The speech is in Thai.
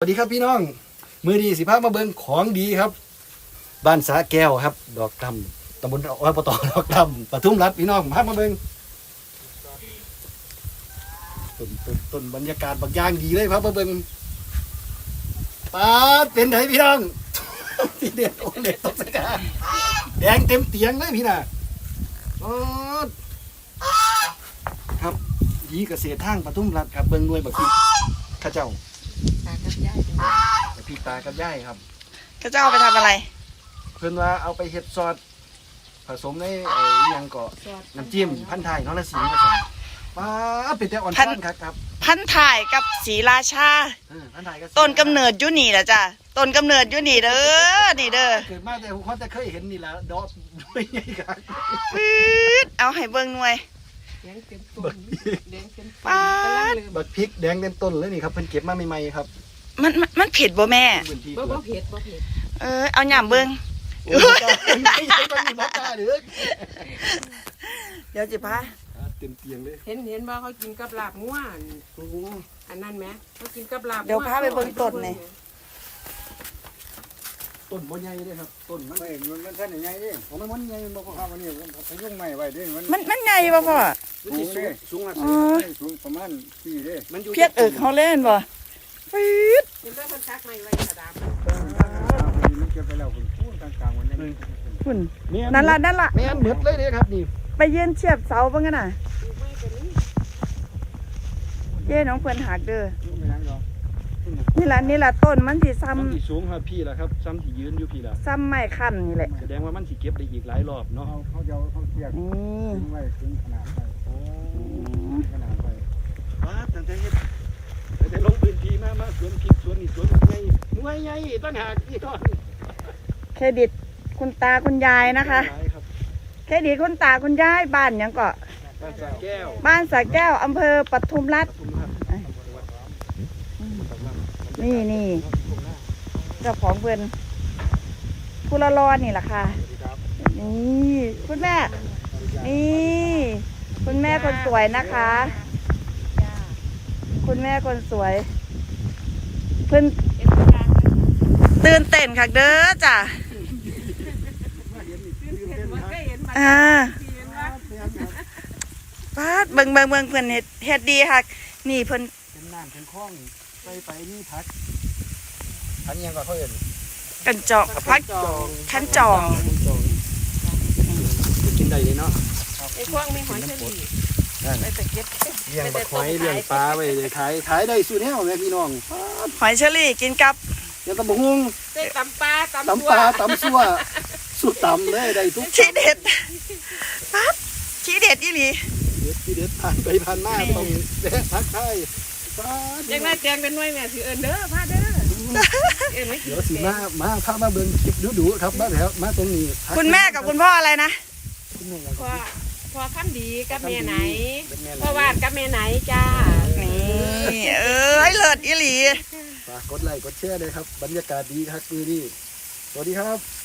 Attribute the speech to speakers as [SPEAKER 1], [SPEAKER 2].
[SPEAKER 1] สวัสดีครับพี่น้องมือดีสิพามาเบิ่งของดีครับบ้านสาแก้วครับดอกดำตำบลอบตดอกดำปทุมรัฐพี่น้องพามาเบิ่งต้นบรรยากาศบางอย่างดีเลยครับมาเบิ่งป้าเป็นไงพี่น้องที่เด็ดโอเล็ดตกสกาแดงเต็มเตียงเลยพี่น่ะครับดีเกษตรทางปทุมรัฐครับเบิ่งหน่วยบักพริกข้าเจ้า
[SPEAKER 2] ตากับยาย
[SPEAKER 1] พี่ตากับย่ายครับ
[SPEAKER 2] เขาจะเอาไปทำอะไร
[SPEAKER 1] เพื่อนว่าเอาไปเฮ็ดซอสผสมในยังเกาะน้ำจิ้มพันธุ์ไทยน้องละสีผสมป้าเป็นแต่อ่อนช้อนครับ
[SPEAKER 2] พันถ่ายกับศรีราชา
[SPEAKER 1] พันธุ์ไทยก็
[SPEAKER 2] ต้นกำเนิดยุนี่แหละจ้ะต้นกำเนิดยุนี่เด้อนี่เด้อ
[SPEAKER 1] เกิดมาแต่ผมเขาจะเคยเห็นนี่แหละดอกด้วยไงครับ
[SPEAKER 2] ปื๊ดเอาให้เบิ่งหน่วย
[SPEAKER 1] แดงเต็มต้นบักพริกแดงเต็มต้นเลยนี่ครับเพิ่นเก็บมาใหม่ๆครับ
[SPEAKER 2] มันเผ็ดบ่แม่
[SPEAKER 3] บ่เผ็ด
[SPEAKER 2] เอาหย่ำเบิ่ง
[SPEAKER 1] ไม่ใช่ต้นนี้มะกาเด้อ
[SPEAKER 2] เดี๋ยวจิพา
[SPEAKER 1] เต็มเตียงเลย
[SPEAKER 3] เห็นบ่เขากินกับลาบงัวอันนั้นไหมเขากินกับลาบ
[SPEAKER 2] เดี๋ยวพาไปเบิ่งต้นนี่
[SPEAKER 1] ต้นบ่ใหญ่เด้ครับต้นมัน
[SPEAKER 4] ไม่มันแค่ใหญ่ดิ
[SPEAKER 1] มันใหญ่มันบ่พอ
[SPEAKER 4] วันนี้พยุงใหม่ไว้ดิ
[SPEAKER 2] มันใหญ่บ่พ่อ
[SPEAKER 1] สูงละ
[SPEAKER 4] สูงประมาณ4เด้
[SPEAKER 1] มันอยู่
[SPEAKER 2] เพียกเขาเล่นบ่ปื๊ด
[SPEAKER 3] เห็นบ่คนซักใหม่ไว้กระดาษ
[SPEAKER 4] มันเก็บไปแล้วคุณพูดกลางๆวันนี้
[SPEAKER 2] คุณนั่นล่ะ
[SPEAKER 1] แม่นหมดเลยเด้ครับนี่
[SPEAKER 2] ไปยืนเทียบเสาเบิ่งกันน่ะเย้น้องเพิ่นหักเด้อนี่ล่ะต้นมันสิซ้ำ
[SPEAKER 1] ที่สูงครับพี่ล่ะครับซ้ำที่ยืนอยู่พี่ล่ะ
[SPEAKER 2] ซ้ำไม้คั่นนี่แหละ
[SPEAKER 1] แสดงว่ามันสิเก็บได้อีกหลายรอบเนาะ
[SPEAKER 4] เขาจะเขาเทียบไว้ถึงขนาดไปขนาดไป
[SPEAKER 1] ว้าตั้งแต่เฮ็ดแต่ลงพื้นที่มาสวนพริกสวนนี่สวนใหญ่หน่วยใหญ่ต้นหากพี่น้อง
[SPEAKER 2] เครดิตคุณตาคุณยายนะคะเครดิตคุณตาคุณยายบ้านหยังเกาะบ้านสระแก้วอำเภอปทุมรัฐนี่เจ้าของเพื่อนผู้ละรอนี่แหละค่ะนี่คุณแม่นี่คุณแม่คนสวยนะคะคุณแม่คนสวยเพื่อนตื่นเต้นค่ะเด้อจ้ะป้าเบิ่งเพื่อนเฮ็ดดีค่ะนี่เพิ่น
[SPEAKER 1] เป็นน้ำเป็นคลองไปนี่พักยังก็เขาเห็น
[SPEAKER 2] กันจอกพักขันจอง
[SPEAKER 1] กินได้เลยเนาะ
[SPEAKER 3] ไอ้พวกมีหอยเชอรี่ไปตะเก็บ
[SPEAKER 1] เลี้ยงหอยเลี้ยงปลาไปเลยขายได้สุดแนวเลยพี่น้อง
[SPEAKER 2] หอยเชอรี่กินกับ
[SPEAKER 1] ยังตำบักหุ่ง
[SPEAKER 3] ตำปลาตำ
[SPEAKER 1] ซั่วสุดตำเลยได้ทุก
[SPEAKER 2] ชี้เด็ดปั๊บชี้เด็ดอีหลี
[SPEAKER 1] ชี้เด็ดผ่านไปผ่านหน้าต้องแวะทักทาย
[SPEAKER 3] ยังไงแจงเป็นหน่วยแม่ถือเด้อพาเด้อ
[SPEAKER 1] เดี๋ยวสิมาพามาเบิ่งคลิปดูครับมาแล้วมาตรงนี้
[SPEAKER 2] คุณแม่กับคุณพ่ออะไรนะ
[SPEAKER 3] พ่อคำดีกับแม่ไหนพ่อวาดกับแม่ไหนจ้า
[SPEAKER 2] นี่เลิศอีหลี
[SPEAKER 1] ฝากกดไลค์กดแชร์เลยครับบรรยากาศดีครับมือนี้สวัสดีครับ